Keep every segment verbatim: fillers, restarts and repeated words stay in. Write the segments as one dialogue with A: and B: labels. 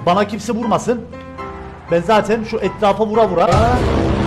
A: Bana kimse vurmasın. Ben zaten şu etrafa vura vura. Aa.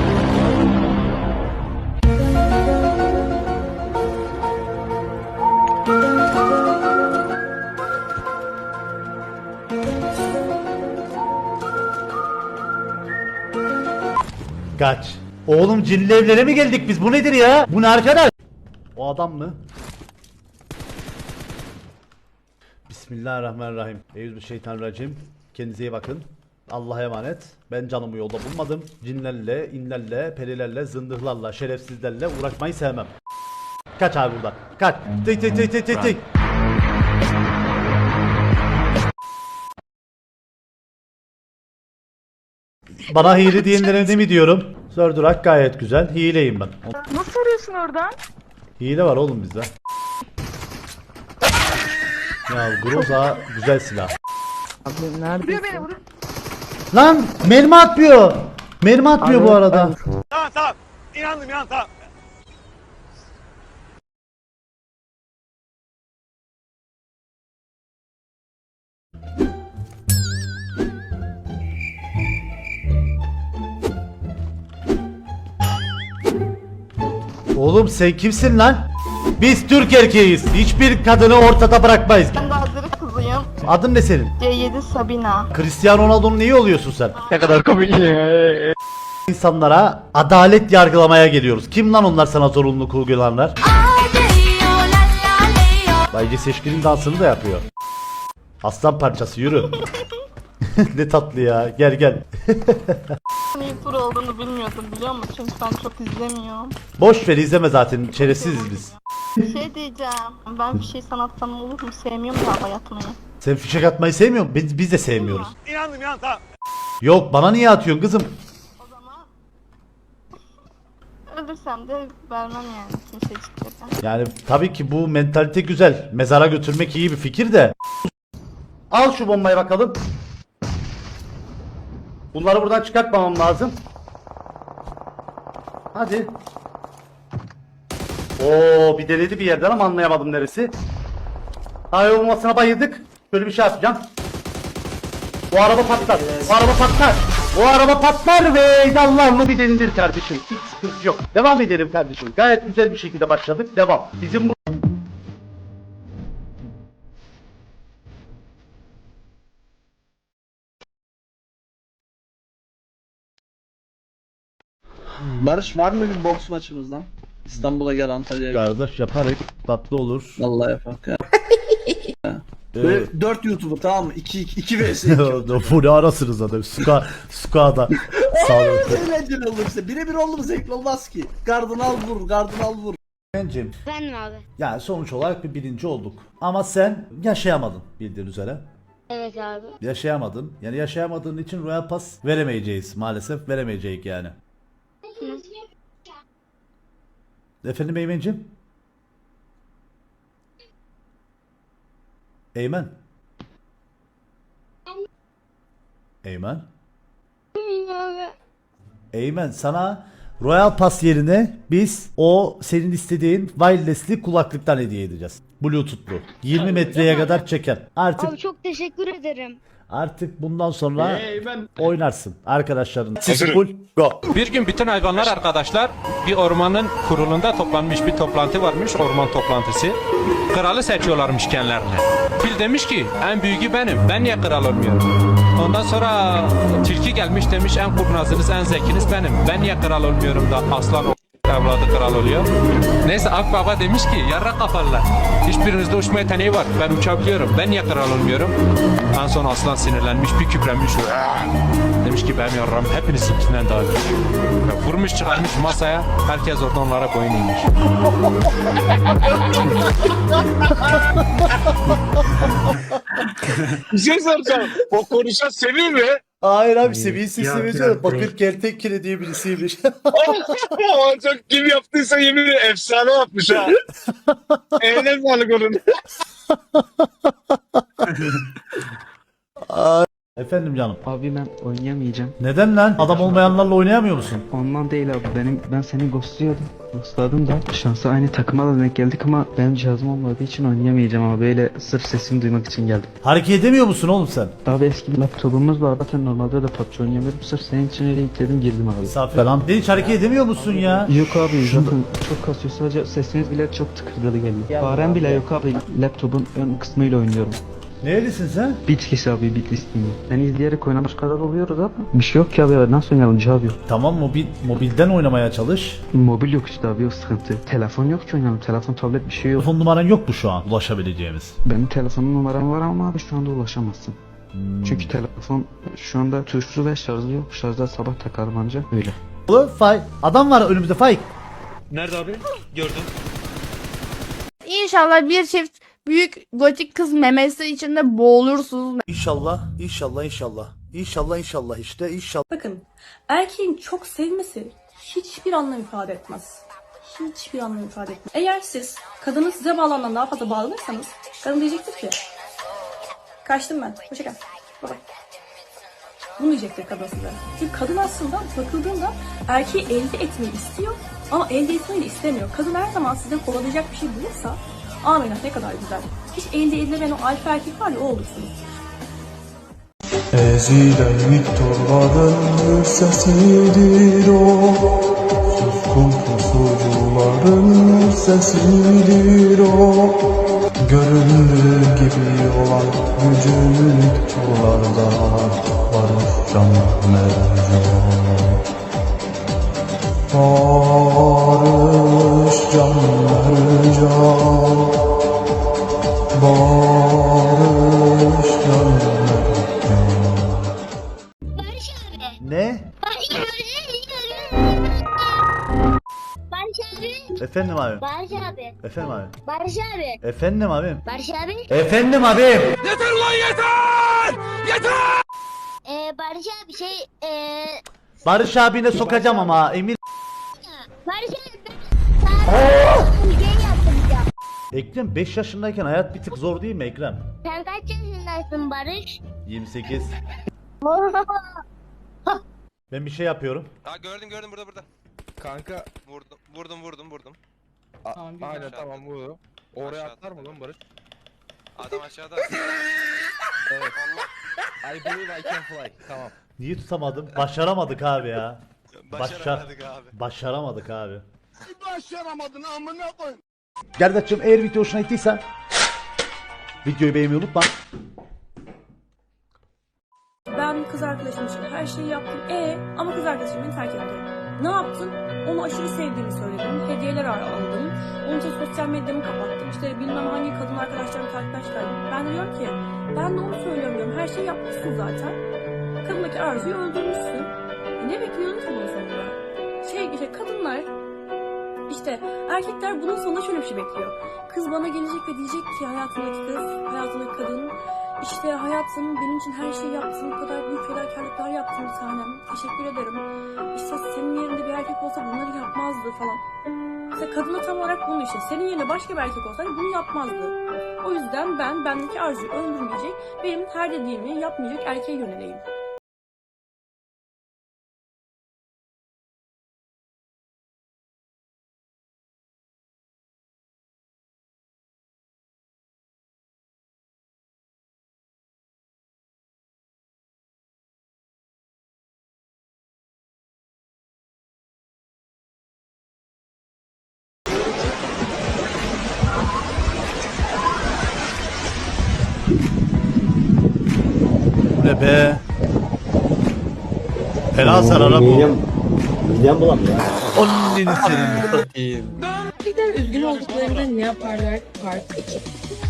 A: Kaç. Oğlum cinli evlere mi geldik biz? Bu nedir ya? Bu ne arkadaş? O adam mı? Bismillahirrahmanirrahim. Euzubişşeytanirracim. Kendinize iyi bakın. Allah'a emanet. Ben canımı yolda bulmadım. Cinlerle, inlerle, perilerle, zındıklarla, şerefsizlerle uğraşmayı sevmem. Kaç abi buradan. Kaç. Tık tık tık tık tık tık. Bana hile diyenlere ne mi diyorum? Zördurak gayet güzel. Hileyim ben.
B: Nasıl arıyorsun oradan?
A: Hile var oğlum bizde. Ya Groza güzel silah.
B: Abi nerede? Vuruyor beni vuruyor.
A: Lan mermi atmıyor. Mermi atmıyor bu arada.
C: Tamam tamam. İnandım inan tamam.
A: Oğlum sen kimsin lan? Biz Türk erkeğiz. Hiçbir kadını ortada bırakmayız.
B: Ben de Azeri kızıyım.
A: Adın ne senin?
B: C yedi Sabina.
A: Cristiano Ronaldo'nun neyi oluyorsun sen?
C: Ne kadar komik.
A: İnsanlara adalet yargılamaya geliyoruz. Kim lan onlar sana zorunluluk uygulanlar? Bayce Seçkin'in dansını da yapıyor. Aslan parçası yürü. Ne tatlı ya. Gel gel.
B: YouTuber olduğunu bilmiyordum biliyor musun? Çünkü ben çok izlemiyorum.
A: Boş ver izleme zaten. Çaresiziz biz.
B: Bir şey diyeceğim. Ben bir şey sanattan olur mu? Sevmiyorum ya hayatımı.
A: Sen fişek atmayı sevmiyor musun? Biz, biz de sevmiyoruz.
C: İnandım inan tamam.
A: Yok bana niye atıyorsun kızım?
B: O zaman ölürsem de vermem yani kimseciklerden.
A: Yani tabii ki bu mentalite güzel. Mezara götürmek iyi bir fikir de. Al şu bombayı bakalım. Bunları buradan çıkartmamam lazım. Hadi. Oo bir deledi bir yerden ama anlayamadım neresi. Hayır olmasına bayıldık. Böyle bir şey yapacağım. O araba patlar. O araba patlar. O araba patlar ve Allah'ını bir delindir kardeşim. Hiç sıkıntı yok. Devam edelim kardeşim. Gayet güzel bir şekilde başladık. Devam. Bizim bu...
D: Barış var mı bir boks maçımızdan? İstanbul'a gel, Antalya'ya gel.
A: Kardeş yaparız. Tatlı olur.
D: Vallahi yapak ya.
A: Ee,
D: Böyle dört YouTuber tamam mı? iki iki vs
A: Bu ne arasınız zaten. Suka, Suka'da. Sağ olun.
D: Eğlenceli olur işte. Birebir oldu mu zevkli olmaz ki. Gardını al vur, gardını al vur.
A: Bencim.
E: Efendim abi.
A: Yani sonuç olarak bir birinci olduk. Ama sen yaşayamadın bildiğin üzere.
E: Evet abi.
A: Yaşayamadın. Yani yaşayamadığın için Royal Pass veremeyeceğiz maalesef. Veremeyeceğiz yani. Efendim Eymen'cim? Eymen? Eymen?
E: abi.
A: Eymen sana Royal Pass yerine biz o senin istediğin wireless'li kulaklıktan hediye edeceğiz. Bluetooth'lu. yirmi metreye kadar çeker. Artık
E: Abi çok teşekkür ederim.
A: artık bundan sonra oynarsın arkadaşların. Full go.
F: Bir gün bütün hayvanlar arkadaşlar bir ormanın kurulunda toplanmış, bir toplantı varmış, orman toplantısı. Kralı seçiyorlarmış kendilerine. Fil demiş ki en büyüğü benim, ben niye kral olmuyorum? Ondan sonra tilki gelmiş demiş en kurnazınız, en zekiniz benim, ben niye kral olmuyorum da aslan o evladı kral oluyor. Neyse Akbaba demiş ki yarrak kafalılar, hiçbirinizde uçma yeteneği var, ben uçabiliyorum, ben niye kral olmuyorum? En son aslan sinirlenmiş, bir küprenmiş. Demiş ki benim yarram hepinizinkinden daha büyük. Vurmuş çıkarmış masaya, herkes orada onlara boyun eğmiş.
C: Bir şey soracağım. O konuşan Semih mi?
A: Hayır abi seviyesi seviyor. Bakır Kertenkele diye birisiymiş.
C: O çok kim yaptıysa yemin ederim efsane yapmış ha. Eline sağlık onun.
A: Efendim canım.
G: Abi ben oynayamayacağım.
A: Neden lan? Adam olmayanlarla oynayamıyor musun?
G: Ondan değil abi. Benim ben seni ghostluyordum. Ghostladım da şansa aynı takıma da denk geldik ama benim cihazım olmadığı için oynayamayacağım ama böyle sırf sesini duymak için geldim.
A: Hareket edemiyor musun oğlum sen?
G: Abi eski bir laptopumuz var. Zaten normalde de P U B G oynayamıyorum. Sırf senin için öyle yükledim girdim abi.
A: Misafir falan. Sen hiç hareket edemiyor musun ya?
G: Yok abi zaten çok kasıyor. Sadece sesiniz bile çok tıkırdalı geliyor. Farem bile yok abi. Laptopun ön kısmıyla oynuyorum.
A: Nerelisin sen?
G: Bitlis abi Bitlisliyim. Seni izleyerek oynamış kadar oluyoruz abi. Bir şey yok ki abi. Nasıl oynayalım cihaz yok.
A: Tamam mobil mobilden oynamaya çalış.
G: Mobil yok işte abi o sıkıntı. Telefon yok ki oynayalım. Telefon tablet bir şey yok.
A: Telefon numaran yok mu şu an ulaşabileceğimiz?
G: Benim telefonum numaram var ama abi şu anda ulaşamazsın. Çünkü telefon şu anda tuşlu ve şarjı yok. Şarjda sabah takarım anca öyle.
A: Oğlum Fay. Adam var önümüzde Fay.
H: Nerede abi? Gördüm.
I: İnşallah bir çift büyük gotik kız memesi içinde boğulursunuz.
J: İnşallah, inşallah, inşallah. İnşallah, inşallah işte, inşallah.
K: Bakın, erkeğin çok sevmesi hiçbir anlam ifade etmez. Hiçbir anlam ifade etmez. Eğer siz kadının size bağlanan daha fazla bağlanırsanız kadın diyecektir ki kaçtım ben, hoşça kal, bye bye. Bunu diyecektir kadın size. Çünkü kadın aslında bakıldığında erkeği elde etmeyi istiyor ama elde etmeyi de istemiyor. Kadın her zaman size kovalayacak bir şey bulursa amenna ne kadar güzel. Hiç elde edilemeyen o alfa erkek var ya o olursunuz.
L: Ezilen torbaların sesidir o, suskun pusucuların sesidir o. Göründüğü gibi olan gücük çollarda barış can mercan. Barış can mercan, barış can mercan.
E: Barış abi.
A: Ne?
E: Barış abi. Barış abi.
A: Efendim abi.
E: Barış abi.
A: Efendim abi.
E: Barış abi.
A: Efendim abi.
E: Barış abi.
A: Efendim abi.
F: Yeter lan yeter! Yeter!
E: Ee, Barış abi şey ee,
A: Barış abine sokacağım ama Emir.
E: Barış abi ben sana bir şey yaptım ya.
A: Ekrem beş yaşındayken hayat bir tık zor değil mi Ekrem?
E: Sen kaç yaşındasın Barış?
A: yirmi sekiz. Ben bir şey yapıyorum.
H: Ha gördüm gördüm burada burada.
F: Kanka
H: Vurdum vurdum vurdum vurdum.
F: aynen tamam bu. Oraya atlar mı lan Barış?
H: Adam aşağıda.
F: Evet. I believe I can fly. Tamam.
A: Niye tutamadım? Başaramadık abi ya.
H: Başaramadık abi.
A: Başaramadık abi.
C: Başaramadın amına koy.
A: Gerdaç'cığım eğer video hoşuna gittiyse videoyu beğenmeyi unutma.
K: Ben kız arkadaşım için her şeyi yaptım. E ama kız arkadaşım beni terk etti. Ne yaptın? Onu aşırı sevdiğimi söyledim. Hediyeler aldım. Onun için sosyal medyamı kapattım. İşte bilmem hangi kadın arkadaşlarımı takipten çıkardım. Ben de diyorum ki ben de onu söylüyorum diyorum. Her şeyi yapmışsın zaten. Kadındaki arzuyu öldürmüşsün. E ne bekliyordun ki bunun sonunda? Şey işte kadınlar işte erkekler bunun sonunda şöyle bir şey bekliyor. Kız bana gelecek ve diyecek ki hayatımdaki kız, hayatımdaki kadın İşte hayatım benim için her şeyi yaptın, bu kadar büyük fedakarlıklar yaptın bir tanem. Teşekkür ederim. İşte senin yerinde bir erkek olsa bunları yapmazdı falan. İşte kadına tam olarak bunu işte. Senin yerine başka bir erkek olsaydı bunu yapmazdı. O yüzden ben bendeki arzuyu öldürmeyecek, benim her dediğimi yapmayacak erkeğe yöneleyim.
A: Bu ne be? Fena zarara bu.
D: Midem bulandı ya.
A: Onun senin.
I: Erkekler üzgün olduklarında ne yaparlar? Part iki.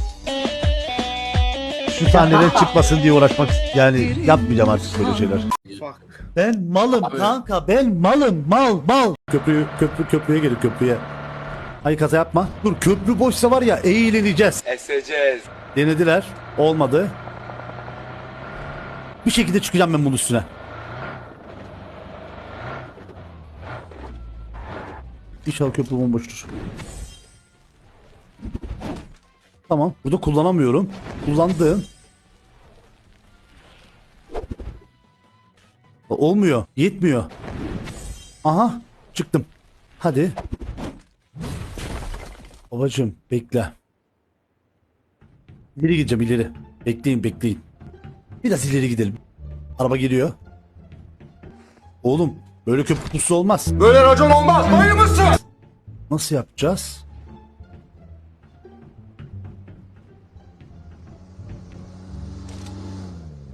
A: Şu sahneler çıkmasın diye uğraşmak yani yapmayacağım artık böyle şeyler. Ben malım kanka ben malım mal mal. Köprü köprü köprüye gelin köprüye. Ay kaza yapma. Dur köprü boşsa var ya eğleneceğiz.
C: Eseceğiz.
A: Denediler. Olmadı. Bir şekilde çıkacağım ben bunun üstüne. İnşallah köprü bomboştur. Tamam. Burada kullanamıyorum. Kullandım.
J: Olmuyor. Yetmiyor. Aha. Çıktım. Hadi. Babacım bekle. İleri gideceğim ileri. Bekleyin bekleyin. Biraz ileri gidelim. Araba geliyor. Oğlum böyle köprü pusu olmaz.
C: Böyle racon olmaz. Bayır mısın?
J: Nasıl yapacağız?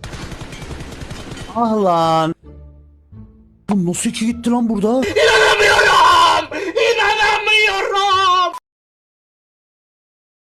J: Ah lan. Bu nasıl iki gitti lan burada? İnanamıyorum.